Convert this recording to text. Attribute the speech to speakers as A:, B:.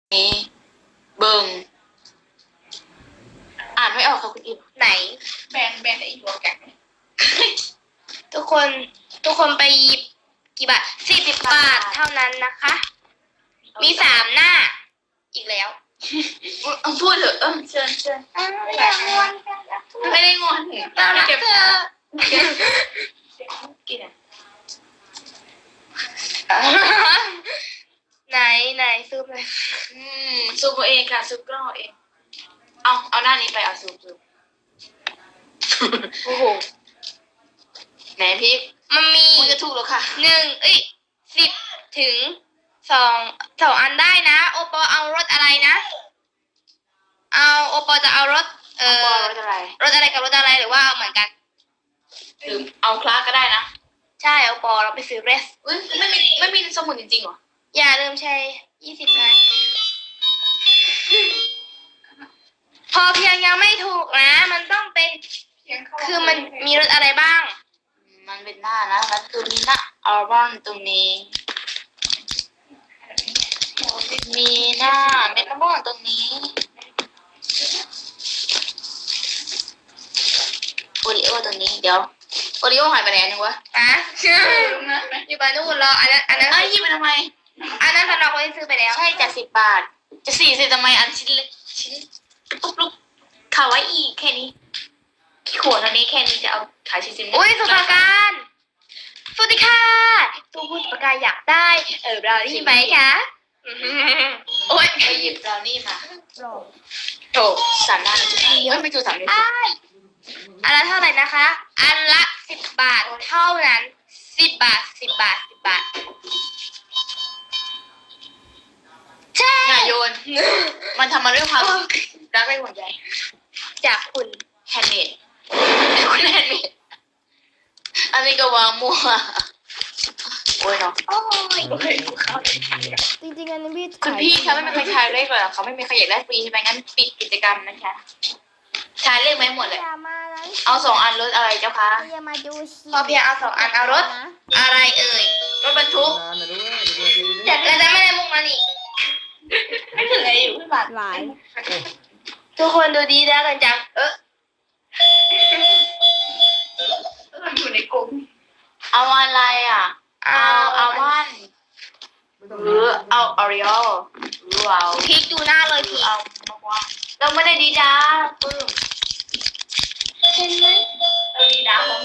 A: นี้เบิงอ่านไม่ออกค่ะคุณอิม
B: ไหน
A: แบนไอ้หัวแกะ
B: ทุกคนไปหยิบกี่บาท40 บาทเท่านั้นนะคะ มี3 หน้า อีกแล้ว
A: พูดเถอะเชิญ
B: ไม่ได้งอน
A: ไม่ได้งอน
B: เรารักเธอ
A: กิน
B: ไหนซูมเลย
A: ซูมเองค่ะซูมกล้องเองเอาหน้านี้ไปเอาซูม
B: โอ้โห
A: ไหนพี่
B: มันมี
A: คุณจะถูกแล้วค่ะ
B: 10 ถึง2อันได้นะโอปอเอารถอะไรนะโอปอจะเอารถ
A: รถอะไร
B: กับรถอะไรหรือว่าเอาเหมือนกัน
A: หรือเอาคลาสก็ได้นะ
B: ใช่โอปอเราไปซื้อเรส
A: ไม่มีสมุดจริงๆหรอ
B: อย่าลืมใช้20 บาทพอเพียงยังไม่ถูกนะมันต้องเป็นคือมันมีรถอะไรบ้าง
A: มันเป็นหน้านะแล้วคือมีหน้าอัลบั้มตรงนี้มีหน้าเมตาบอลตรงนี้โอริโอตรงนี้เดี๋ยวโอริโอหายไปไหนนึงวะ
B: อยู่บ้านนู่นรออันนั้น
A: หยิบไปทำไม
B: อันนั้นสำหรับคนที่ซื้อไปแล้ว
A: ใช่จาก10 บาทจะ40ทำไมอันชิ้นเล็กชิ้นปุ๊บขาวไว้อีกแค่นี้ขวดอันนี้แค่นี้จะเอาขาย40
B: อุ้ยสุภาการสวัสดีค่ะตัวผู้สุภาการอยากได้เราได้ไหมคะ
A: โอ๊ยไปหยิบเรานี่มาโถ3 ด้านจุดไม่จุด3เลย
B: อันละเท่าไหร่นะคะ อันละ10 บาทเท่านั้น10 บาทใช่
A: อย่าโยนมันทำมาด้วยความรักและห่วงใย
B: จากคุณ
A: แฮนด์เมดอันนี้ก็วางมั่วโอ้ยเนาะ
B: จริงๆอันนี้
A: คุณพี่เขาไม่มีใครทายเลขเลยเขาไม่มีใครอยากได้ฟรีใช่ไหมงั้นปิดกิจกรรมนะคะทายเลขไหมหมดเลยเอา2 อันรถอะไรเจ้าคะ
B: พอเพียงเอา2 อันเอารถอะไรเอ่ย
A: รถบรรทุก
B: แล้วจะไม่ได้มุกมานี่
A: ไม่ถึงอะไรอยู่พี่บัตร
C: หลาย
B: ทุกคนดูดีแล้วกันจัง
A: มันอยู่ในกลุ่มเอาอะไรอ่ะเอาวันหรือเอาออริโอหรือเอา
B: พลิกดูหน้าเลยพี่
A: เอามากว่าเราไม่ได้ดีด้าปึ้ม
B: เห็นไหม
A: เราดีด้า